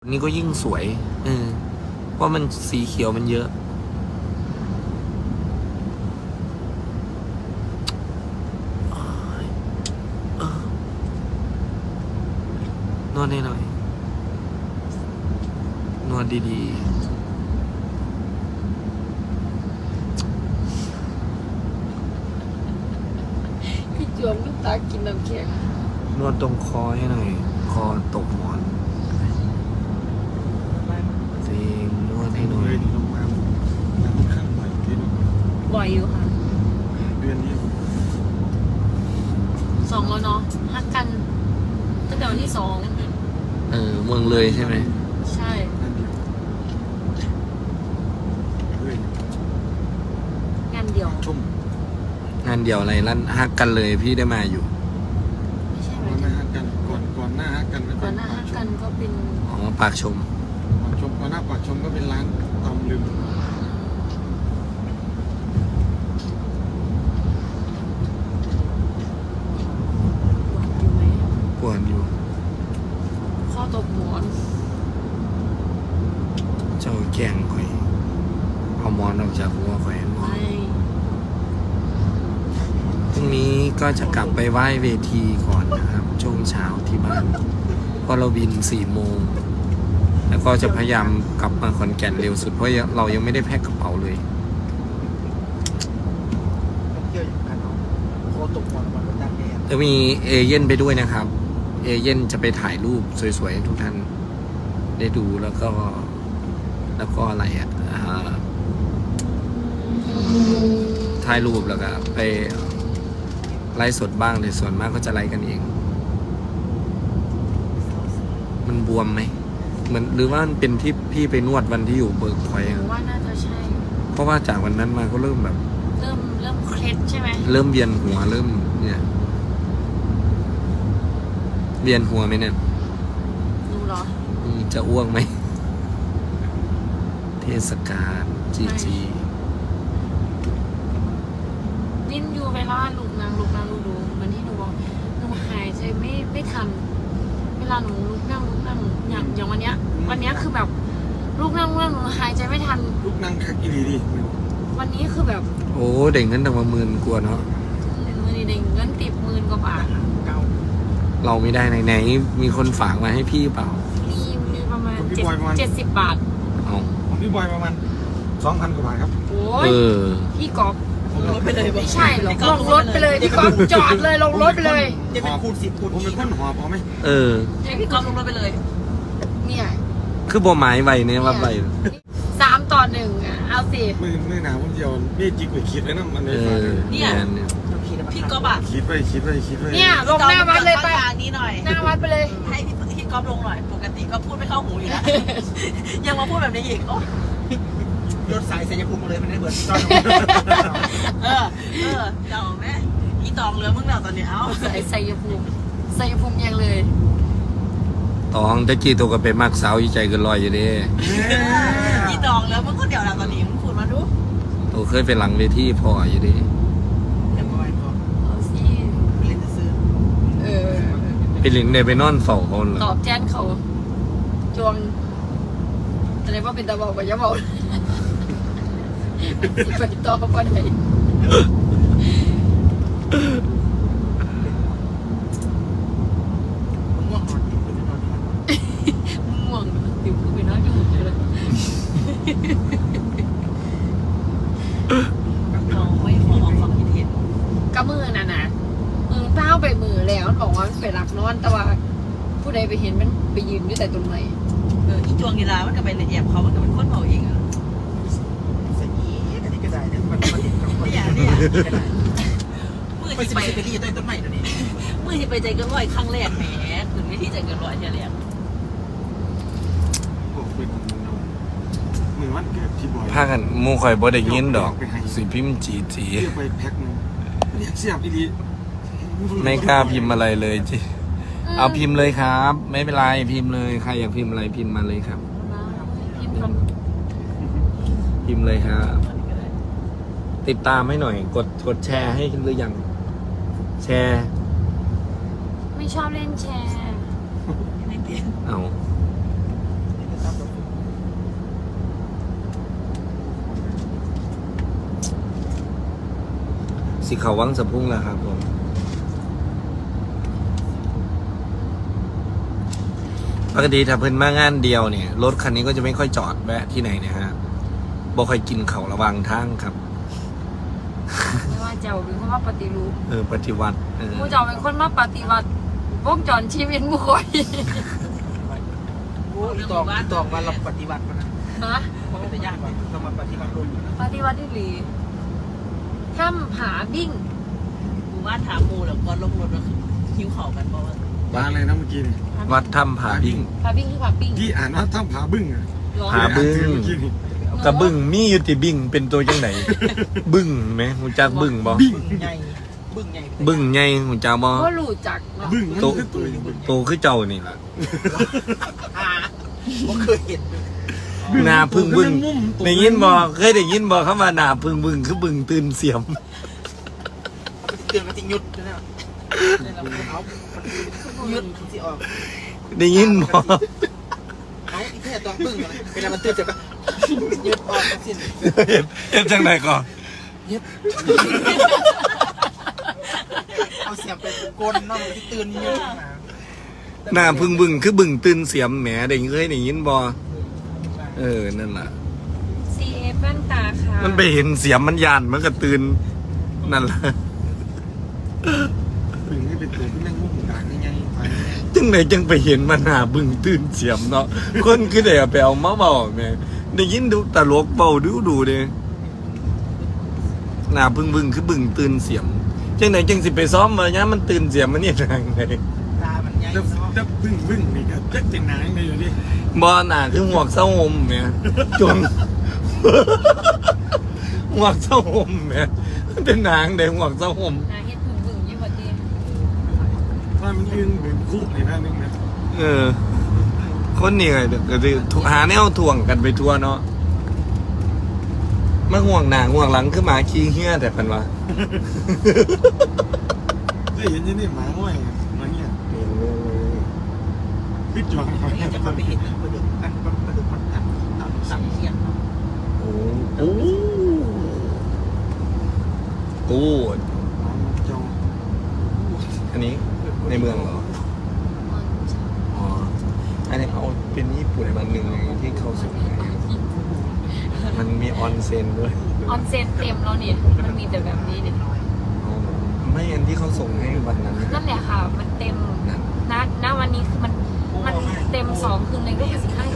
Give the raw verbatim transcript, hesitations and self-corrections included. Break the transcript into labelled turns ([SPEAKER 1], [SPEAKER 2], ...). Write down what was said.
[SPEAKER 1] นี่ก็ยิ่งสวยเออเพราะมันสีเขียวมันเยอะนวดให้หน่อย นวดดี
[SPEAKER 2] ๆพี่จวมลูกตากินน้ำแข็ง
[SPEAKER 1] นวดตรงคอให้หน่อย คอตกหมอนจริงนวดให้หน่อย
[SPEAKER 3] ลงมาน้ำข้างบ่อยที่
[SPEAKER 2] บ่อยอยู่ค่ะ
[SPEAKER 3] เดือนนี้
[SPEAKER 2] สองแล้วเนาะฮักกันตั้งแต่วันที่สอง
[SPEAKER 1] เออเมืองเลยใช่ไหม
[SPEAKER 2] ใช่
[SPEAKER 3] นั่นเดียวเฮ้ย
[SPEAKER 2] งานเดียว
[SPEAKER 3] ชุ่ม
[SPEAKER 1] งานเดียวอะไรลั่นฮักกันเลยพี่ได้มาอยู่
[SPEAKER 2] ไม่ใช่ไหม
[SPEAKER 3] ก่อนหน้าฮักกันก่อนก่อนหน้าฮักกัน
[SPEAKER 2] ก่อนหน้าฮักกันก็เป็น
[SPEAKER 1] อ๋อปากชม
[SPEAKER 3] ปากชมก่อนหน้าปากชมก็เป็นร้านตำลึง
[SPEAKER 2] อยู่ไหม
[SPEAKER 1] ปวดอยู่
[SPEAKER 2] ข้อตกหมอน
[SPEAKER 1] เจ้าแกงข่อย เอาหมอนออกจากหัวข่อยหมอน
[SPEAKER 2] ไม่
[SPEAKER 1] พรุ่งนี้ก็จะกลับไปไหว้เวทีก่อนนะครับ ช่วงเช้าที่บ้านเพราะเราบินสี่โมง แล้วก็จะพยายามกลับมาขอนแก่นเร็วสุดเพราะเรายังไม่ได้แพ็คกระเป๋าเลย
[SPEAKER 3] เที่ยวอย่างกันเนาะโคตกหมอนวันดังแดด
[SPEAKER 1] จะมีเอเย่นไปด้วยนะครับ เอเย่นจะไปถ่ายรูปสวยๆให้ทุกท่านได้ดูแล้วก็ แล้วก็อะไรอ่ะอ่าถ่ายรูปแล้วก็ไปไลฟ์สดบ้างแต่ส่วนมากก็จะไลฟ์กันเอง มันบวมไหมเหมือนหรือว่ามันเป็นที่พี่ไปนวดวันที่อยู่เบิร์กพอยต์
[SPEAKER 2] หนูว่าน่าจะใช่
[SPEAKER 1] เพราะว่าจากวันนั้นมาก็เริ่มแบบ
[SPEAKER 2] เริ่มเริ่มเคล็ดใช่ไหม
[SPEAKER 1] เริ่มเวียนหัวเริ่มเนี่ยเวียนหัวไหมเนี่ย
[SPEAKER 2] หนูเหรอ
[SPEAKER 1] อืมจะอ้วกไหม เทศกาลจีจี
[SPEAKER 2] นินอยู่เวลาลูกนางลูกนางลูกดูเหมือนที่หนูบอกหนูหายใจไม่ไม่ทัน เวลาหนูลุกนั่งลุกนั่งอย่างอย่างวันเนี้ย วันเนี้ยคือแบบลุกนั่งลุกนั่งหนูหายใจไม่ทัน
[SPEAKER 3] ลูกนั่งคักอีหลีดิ
[SPEAKER 2] วันนี้คือแบบ
[SPEAKER 1] โอ้เด็กนั้นตั้งมาหมื่นกว่าเนาะ
[SPEAKER 2] มือนี่เด้งเงินติดหมื่นกว่าบาท
[SPEAKER 3] เก้า
[SPEAKER 1] เราไม่ได้ไหนไหนมีคนฝากมาให้พี่เปล่า
[SPEAKER 2] มีมีประมาณเจ็ดเจ็ดสิบบาท
[SPEAKER 1] เอา
[SPEAKER 3] ของพี่บอยประมาณสองพันกว่าบาทครับ
[SPEAKER 2] โอ้
[SPEAKER 1] เอย อ
[SPEAKER 2] พี่กอบ
[SPEAKER 3] รถไปเลย
[SPEAKER 2] ไม่ใช่หรอกลงรถไปเลยพี่กอบจอดเลยลงรถไปเลย
[SPEAKER 3] จะเป็นคูณสิบคูณผมเป็นคนหอบเอาไหม
[SPEAKER 1] เออ
[SPEAKER 2] ให้พี่กอบลงรถไปเลย เนี่ย
[SPEAKER 1] คือบ่หมายไว้เนี่ยว่าไว้
[SPEAKER 2] สามต่อหนึ่งอ่ะเอาสิ
[SPEAKER 3] มือมือหนาวผมเดียวนี่จิกไปคิดไว้นะมัน
[SPEAKER 1] เอ
[SPEAKER 3] ไม่ฟัง
[SPEAKER 1] อเนี่ยเนี่ย
[SPEAKER 4] พี่ก๊อฟอะ
[SPEAKER 3] คิดไปคิดไปคิดไป
[SPEAKER 2] เนี่ยลงหน้าวัดเลยไป
[SPEAKER 4] ทางนี้หน่อย
[SPEAKER 2] หน้าวัดไปเลย
[SPEAKER 4] ให้พี่พี่ก๊อฟลงหน่อย ปกติก็พูดไม่เข้าหูอยู่แล้ว ยังมาพูดแบบนี้อีกโอ๊ย
[SPEAKER 5] รถสายเสียภูมิเลยมันได้เบิร์ด
[SPEAKER 4] เออ เออเจ้าแม่อีตองเหลือมึงแล้วตอนนี้เอ้า
[SPEAKER 2] ใส่ใส่ยภูมิใส่ยภูมิยังเลย
[SPEAKER 1] ตองตะกี้ตัวก็ไปมักสาวอีใจเกันลอยอยู่เด้
[SPEAKER 4] อีตองเหลือมึงคนเดียวแล้วตอนนี้มึงพูดมาดู
[SPEAKER 1] ตัวเคยไปหลังเวทีพออยู่เด้
[SPEAKER 5] แต่บอยพอ
[SPEAKER 2] เอาสิ
[SPEAKER 5] เล่นซื้อ
[SPEAKER 2] เออ
[SPEAKER 1] ไปหลินเนี่ยไปนอนเฝ้าเขาเหร
[SPEAKER 2] ตอ
[SPEAKER 1] อบ
[SPEAKER 2] แทนเขาจวงอะไรว่าเป็นตาบอกกับยาบอกไปต่อก็ได้
[SPEAKER 5] ม่วงอ่อนเป็นนอน
[SPEAKER 2] ง่วงติวไปน้อยอยู่เลย
[SPEAKER 4] เราไม่ขอออกความคิดเห็น
[SPEAKER 2] ก็มือน่ะนะมือเต้าไปมือแล้วมันบอกว่ามันไปหลักนอนแต่ว่า ผู้ใดไปเห็นมันไปยืนอยู่แต่ตรงไหน
[SPEAKER 4] เอออีจวงกีฬามันก็ไปละเอียดเขามันก็เป็นคนเผาเองอะ
[SPEAKER 5] สีอันนี้ก็ได้เนี่ยมันมันมัน
[SPEAKER 4] เนี่ยเนี่ยมือ
[SPEAKER 5] ไป
[SPEAKER 4] ที่
[SPEAKER 5] สิ
[SPEAKER 4] ไป
[SPEAKER 5] ไปที่ต้นต้นใหม่ตัวนี้
[SPEAKER 4] มือที่ไปใจเกันร้อยครั้งแรกแหมถึงวิธีใจเกันร้อยเท่าแรก
[SPEAKER 3] โอ้เป็นมือวันเกิดที่บอย
[SPEAKER 1] พากันหมูข่อยบ่ได้ยินดอก สิพิมพ์จีจี
[SPEAKER 3] เรียกไปแพ็คนึงเรียกเสียบอีหลี
[SPEAKER 1] ไม่กล้าพิมพ์อะไรเลยจีเอาพิมพ์เลยครับ ไม่เป็นไรพิมพ์เลยใครอยากพิมพ์อะไรพิมพ์มาเลยครับ
[SPEAKER 2] พิมพ์ค
[SPEAKER 1] พิมพ์เลยครับติดตามให้หน่อย กดกดแชร์ให้หรือยัง แชร์
[SPEAKER 2] ำไม่ชอบเล่นแชร์
[SPEAKER 4] ไม่เปลี่ยน
[SPEAKER 1] เอาสิเขาวังสะพุ่งแล้วครับผมปกติถ้าเพิ่นมางานเดียวเนี่ยรถคันนี้ก็จะไม่ค่อยจอดแวะที่ไหนนะฮะบ่ค่อยกินเขาระวังทางครับ
[SPEAKER 2] ไม่ว่าเจ้าเป็นคนมาปฏิรูป
[SPEAKER 1] เออปฏิวัติเออ
[SPEAKER 2] ผู้เจ้าเป็นคนมาปฏิวัติวงจรชีวิตมุขอย
[SPEAKER 3] โอ้ยตอกตอกมาเราปฏิบัติมันนะ
[SPEAKER 2] ฮะ
[SPEAKER 3] มันไม่ได้ยากเลยเรามาปฏิบัติลง
[SPEAKER 2] ปฏิวัติที่หลีถ้ำผาบิ้ง
[SPEAKER 4] หมู่บ้านถามหมูแล้วก็ลงรถแล้วคิ้วเข่ากันเพราะว่า
[SPEAKER 5] บ้านอะไรนะเมื่อกี้นี่
[SPEAKER 1] วัดถ้ำผาบิ่ง
[SPEAKER 2] ผาบิ้งคือผาบิ้ง
[SPEAKER 5] ที่อ่านว่าถ้ำผาบึ้งอะ
[SPEAKER 2] เหรอ
[SPEAKER 1] ผาบึ้ง
[SPEAKER 5] เมื่อกี้นี่
[SPEAKER 1] กระบึ้งมีอยู่ติบึ้งเป็นตัวจังไหน บึ้งไหมหูจักบึ้งบ่
[SPEAKER 3] บึ้งใหญ่บึ้งใหญ่
[SPEAKER 1] บึ้งใหญ่หูจักบ่
[SPEAKER 2] ก็รู้จักเนาะ
[SPEAKER 5] บึ้งมัน
[SPEAKER 1] โต
[SPEAKER 5] คือตัวอยู่บึ้ง
[SPEAKER 1] โตคือเจ้านี่ล่ะ
[SPEAKER 3] อ่าผมเคยเห็น
[SPEAKER 1] หน้าพึ่งบึ้งได้ยินบ่เคยได้ยินบ่คำว่าหน้าพึ่งบึ้งคือบึ้งตื่นเสียม
[SPEAKER 3] มันจะเตือนกันติงยุดนะเนี่ยเอามันยุดที่ออก
[SPEAKER 1] ได้ยินบ่
[SPEAKER 3] เอาอีแค่ตัวบึ้งอะไรเวลามันตื่นจะก็ยุดออกสิ้น
[SPEAKER 1] เฮ็ดเฮ็ดจังไดก่อน
[SPEAKER 3] ยึดเอาเสียงไปกลนเนาะมันจะตื่นยุดมา
[SPEAKER 1] หน้าพึ่งบึ้งคือบึ้งตื่นเสียมแหมได้เคยได้ยินบ่เออนั่นล่ะ
[SPEAKER 2] ซีเอฟแว่นตาค่ะ
[SPEAKER 1] มันไปเห็นเสียมมันยานมันก็ตื่นนั่นล่ะ
[SPEAKER 5] บึ้งนี่เป็นตัวที่แม่งมุ่งด่างยังไงไป
[SPEAKER 1] จังไหนจังไปเห็นมันหน้าบึ้งตื่นเสียมเนาะคนคือได้เอาไปเอามาเว้าแหม่ได้ยินดูตลกเว้าดูดูเด้หน้าพึ่งบึ้งคือบึ้งตื่นเสียมจังไหนจังสิไปซ้อมมายามมันตื่นเสียมมันนี่ทางไหน
[SPEAKER 3] ตามันใหญ่
[SPEAKER 5] แล้ว
[SPEAKER 3] เนาะ
[SPEAKER 5] แล้วบึ้งบึ้งนี่ก็จักเป็นนางเลยอยู่ดิ
[SPEAKER 1] บ่หน้าคือหมวกเส้าห่มแหม่จน หมวกเส้าห่มแหม่มันเป็นนางได้หมวกเส้าห่ม
[SPEAKER 2] นาเฮ็ดพึ่งพึ่งยี่ห้อดี
[SPEAKER 5] ว่ามันยืนเป็นคู่ในด้านนึงนะ
[SPEAKER 1] เออ คนนี่ก็ก็สิหาแนวถ่วงกันไปทั่วเนาะมาห่วงหน้าห่วงหลังคือหมาขี้เหี้ยแต่เพิ่นว่า
[SPEAKER 5] ได้เห็นยังนี่หมาห้อยมาเนี่ยพิจารณา
[SPEAKER 3] ไม่จะมาไปเห็นปลาดุกอันปลาดุกมันอันตาม
[SPEAKER 4] สั่
[SPEAKER 3] สั่
[SPEAKER 4] ง
[SPEAKER 3] ง
[SPEAKER 4] เทียนเนาะ
[SPEAKER 1] โอ้โอ้โอ้
[SPEAKER 5] จง
[SPEAKER 1] อันนี้ในเมืองเหรอ อ๋อ อันนี้เอาเป็นญี่ปุ่นมันหนึ่งที่เขาส่งให้มันมีออนเซ็นด้วย
[SPEAKER 2] ออนเซนเต็มแล้วเนี่ยมันมีแต่แบบนี้เนี่ย
[SPEAKER 1] อ๋อไม่อันที่เขาส่งให้วันนั้น
[SPEAKER 2] นั่นแหละค่ะ มันเต็ม
[SPEAKER 1] นั่น
[SPEAKER 2] ณณวันนี้คือมันมันเต็มสองคืนเลยก็คือสิบห้า